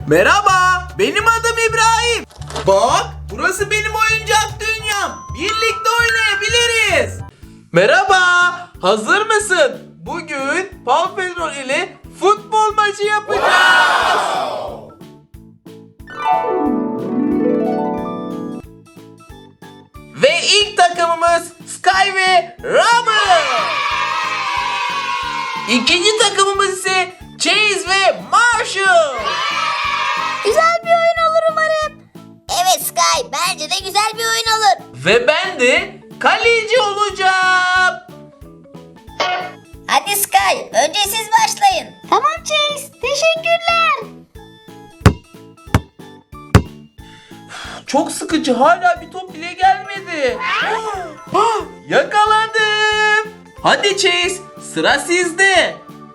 Merhaba, benim adım İbrahim. Bak, burası benim oyuncak dünyam. Birlikte oynayabiliriz. Merhaba, hazır mısın? Bugün Paw Patrol ile futbol maçı yapacağız. Ve ilk takımımız Sky ve Rubble. İkinci takımımız ise Chase ve Marshall. Güzel bir oyun olur umarım. Evet Sky, bence de güzel bir oyun olur. Ve ben de kaleci olacağım. Hadi Sky, önce siz başlayın. Tamam Chase, teşekkürler. Çok sıkıcı, hala bir top bile gelmedi. Yakaladım. Hadi Chase, sıra sizde.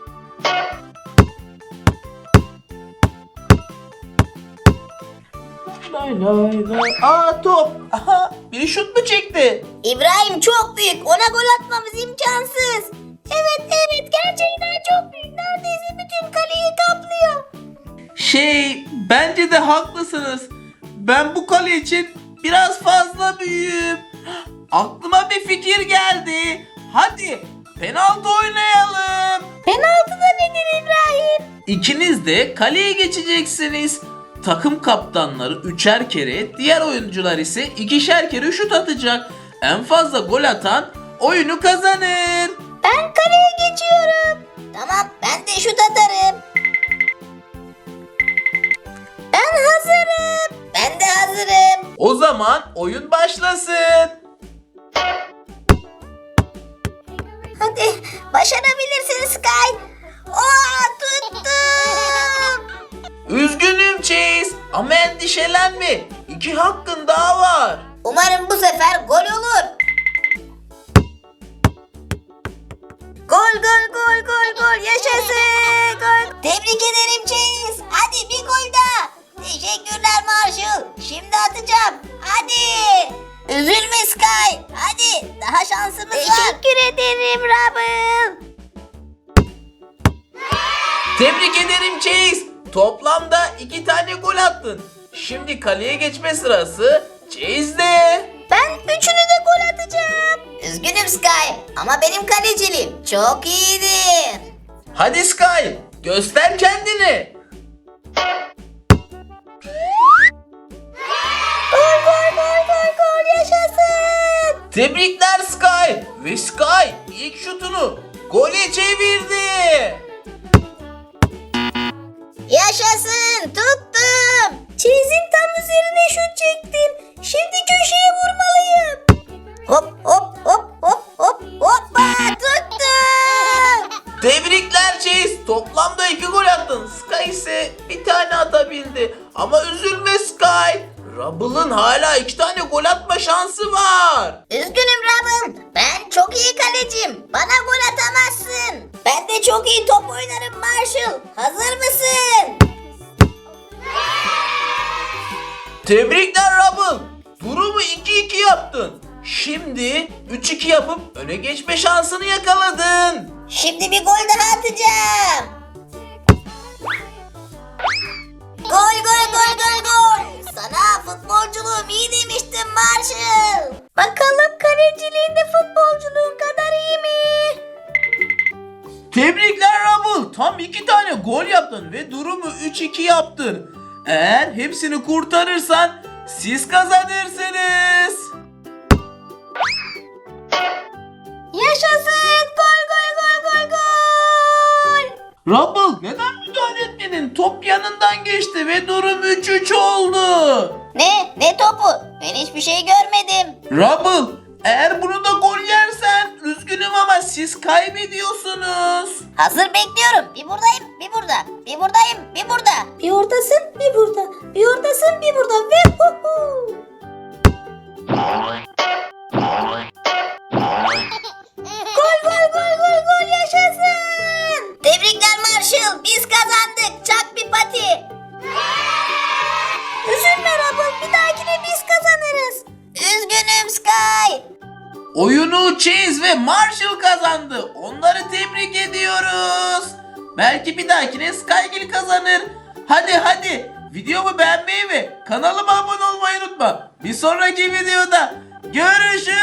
Lay lay lay. Aa, top. Aha, biri şut mu çekti? İbrahim çok büyük, ona gol atmamız imkansız. Evet, gerçekten çok büyük. Neredeyse bütün kaleyi kaplıyor. Bence de haklısınız. Ben bu kale için biraz fazla büyüğüm. Aklıma bir fikir geldi. Hadi penaltı oynayalım. Penaltı da nedir İbrahim? İkiniz de kaleye geçeceksiniz. Takım kaptanları 3'er kere, diğer oyuncular ise 2'şer kere şut atacak. En fazla gol atan oyunu kazanır. Ben kaleye geçiyorum. Tamam, ben de şut atarım. Ben hazırım. Ben de hazırım. O zaman oyun başlasın. Hadi, başarabilirsin Sky. Tuttum. Üzgünüm Chase ama endişelenme. 2 hakkın daha var. Umarım bu sefer gol olur. Gol, yaşasın. Gol. Tebrik ederim Chase. Hadi bir gol daha. Teşekkürler Marshall. Şimdi atacağım. Hadi. Üzülme Sky. Hadi, daha şansımız var. Teşekkür ederim Rubble. Tebrik ederim Chase. Toplamda 2 tane gol attın. Şimdi kaleye geçme sırası Chase'de. Ben üçünü de gol atacağım. Üzgünüm Sky ama benim kaleciliğim çok iyidir. Hadi Sky, göster kendini. Gol, yaşasın. Tebrikler Sky. Ve Sky ilk şutunu gole çevirdi. Yaşasın, tuttum. Çizin tam üzerine şut çektim. Şimdi köşeye vurmalıyım. Hoppa, tuttum. Tebrikler Chase. Toplamda 2 gol attın. Sky ise bir tane atabildi. Ama üzülme Sky. Rubble'ın hala 2 tane gol atma şansı var. Üzgünüm Rubble. Ben çok iyi kaleciyim. Bana gol atamazsın. Ben de çok iyi top oynarım Marshall. Hazır mısın? Tebrikler Rubble. Durumu 2-2 yaptın. Şimdi 3-2 yapıp öne geçme şansını yakaladın. Şimdi bir gol daha atacağım. Gol. Sana futbolculuğum iyi demiştim Marshall. Bakalım kaleciliğinde futbolculuğun kadar iyi mi? Tebrikler Rubble. Tam 2 tane gol yaptın ve durumu 3-2 yaptın. Eğer hepsini kurtarırsan siz kazanırsınız. Yaşasın! Gol! Rubble, neden müdahale etmedin? Top yanından geçti ve durum 3-3 oldu. Ne topu? Ben hiçbir şey görmedim. Rubble, eğer bunu da gol yersen üzgünüm ama siz kaybediyorsunuz. Hazır bekliyorum. Bir buradayım, bir burada. Bir buradayım, bir burada. Bir oradasın, bir burada. Bir oradasın, bir burada. Ve Gol, yaşasın. Tebrikler Marshall. Biz kazandık. Çak bir pati. Üzülme Rubble. Bir dahakine biz kazanırız. Üzgünüm Sky. Oyunu Chase ve Marshall kazandı. Onları tebrik ediyoruz. Belki bir dahakine Skygil kazanır. Hadi Videomu beğenmeyi ve kanalıma abone olmayı unutma. Bir sonraki videoda görüşürüz.